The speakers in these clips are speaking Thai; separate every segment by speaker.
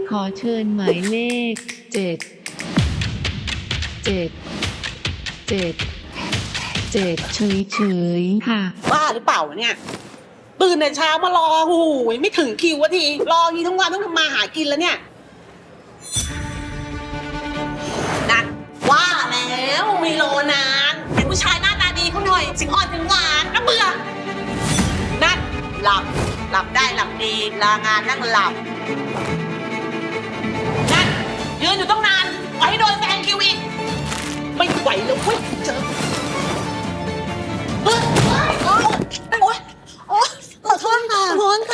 Speaker 1: ขอเชิญหมายเลข7 เฉยๆค่ะ
Speaker 2: บ้าหรือเปล่าเนี่ยตื่นแต่เช้ามารอหูยไม่ถึงคิววะทีรองี้ทั้งวันต้องทำมาหากินแล้วเนี่ยนั่นว่าแล้วไม่รอนานเห็นผู้ชายหน้าตาดีเขาหน่อยสิงอ่อนถึงหวานน่าเบื่อนั่นหลับได้หลับดีลางานนั่งหลับนั่นยืนอยู่ต้องนานไว้โดนแซงคิวอีกไม่ไหวแล้วเว้ยเจอโอ๊ยขอโทษค่ะ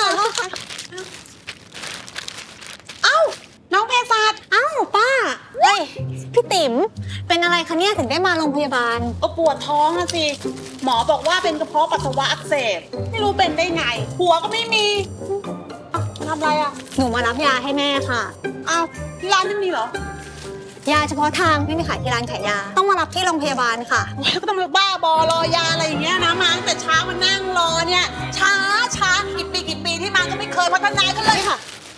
Speaker 2: เอ้าน้องเพศสัตว์
Speaker 3: อ้าวป้าเฮ้ยพี่ติ๋มเป็นอะไรคะเนี่ยถึงได้มาโรงพยาบาล
Speaker 2: ก็ปวดท้องนะสิหมอบอกว่าเป็นกระเพาะปัสสาวะอักเสบไม่รู้เป็นได้ไงหัวก็ไม่มีทำอะไรอ่ะ
Speaker 3: หนูมารับยาให้แม่ค่ะ
Speaker 2: อ้าวที่ร้านไม่มีเหรอย
Speaker 3: าเฉพาะทางไม่มีขายที่ร้านขายยาต้องมารับที่โรงพยาบาลค่ะ
Speaker 2: โอ้ยก็ต้องมาบ้าบอรอยาอะไรอย่างเงี้ยนะมาตั้งแต่เช้ามานั่งรอเนี่ยช้ากี่ปีที่มาก็ไม่เคยพัฒนากันเลยค่ะ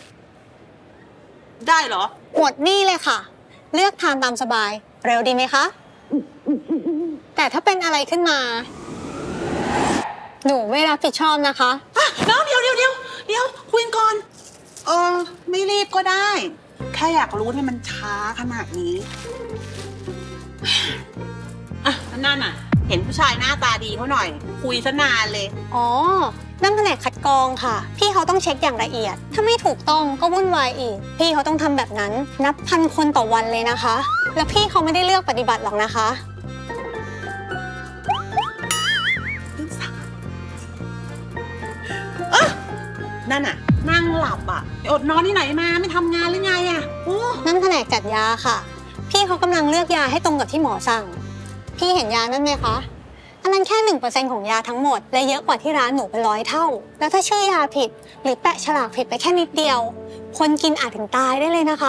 Speaker 2: ได้เหรอ
Speaker 3: หมดหนี่เลยค่ะ เลือกทานตามสบาย เร็วดีไหมคะ แต่ถ้าเป็นอะไรขึ้นมา หนูไม่รับผิดชอบนะคะ
Speaker 2: น้องเดี๋ยวคุยกันก่อนไม่รีบก็ได้ แค่อยากรู้ที่มันช้าขนาดนี้อ่ะนั่นน่ะ เห็นผู้ชายหน้าตาดีเขาหน่อย คุยซะนานเลย
Speaker 3: อ๋อ นั่นแผนกคัดกรองค่ะ พี่เขาต้องเช็คอย่างละเอียด ถ้าไม่ถูกต้องก็วุ่นวายอีก พี่เขาต้องทำแบบนั้น นับพันคนต่อวันเลยนะคะ แล้วพี่เขาไม่ได้เลือกปฏิบัติหรอกนะคะ
Speaker 2: นั่นน่ะ นั่งหลับอ่ะอดนอนที่ไหนมาไม่ทำงานหรือไงอ่ะโอ้
Speaker 3: นั่นแผนกจัดยาค่ะ พี่เขากำลังเลือกยาให้ตรงกับที่หมอสั่ง พี่เห็นยานั่นไหมคะ อันนั้นแค่ 1% ของยาทั้งหมด และเยอะกว่าที่ร้านหนูเป็น100 เท่า แล้วถ้าชื่อยาผิด หรือแปะฉลากผิดไปแค่นิดเดียว คนกินอาจถึงตายได้เลยนะคะ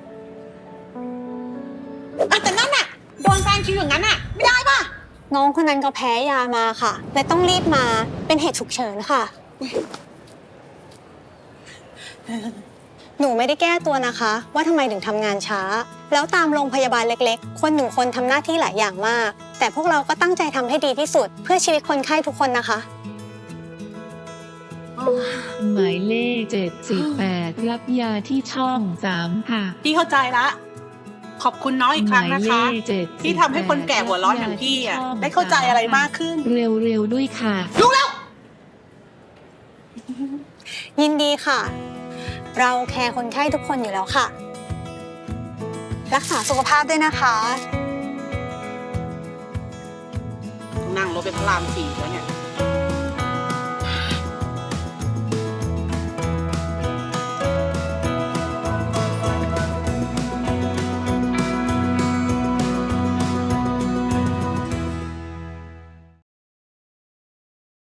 Speaker 2: แต่นั่นน่ะโดนแซงคิวอย่างนั้นอ่ะไม่ได้ป่ะ
Speaker 3: น้องคนนั้นก็แพ้ยามาค่ะ และต้องรีบมาเป็นเหตุฉุกเฉินค่ะ หนูไม่ได้แก้ตัวนะคะ ว่าทำไมถึงทำงานช้า แล้วตามโรงพยาบาลเล็กๆ คนหนึ่งคนทำหน้าที่หลายอย่างมาก แต่พวกเราก็ตั้งใจทำให้ดีที่สุด เพื่อชีวิตคนไข้ทุกคนนะคะ
Speaker 1: หมายเลข78รับยาที่ช่อง3ค่ะ
Speaker 2: พี่เข้าใจละ ขอบคุณน้องอีกครั้งนะคะ
Speaker 1: หมายเลข78
Speaker 2: ที่ทำให้คนแก่หัวร้อนอย่างพี่อ่ะได้เข้าใจอะไรมากขึ้น
Speaker 1: เร็วๆด้วยค่ะ
Speaker 2: รู้แล้ว
Speaker 3: ยินดีค่ะ เราแคร์คนไข้ทุกคนอยู่แล้วค่ะ รักษาสุขภาพด้วยนะคะ
Speaker 2: นั่งรถไปพระราม4แล้วเนี่ย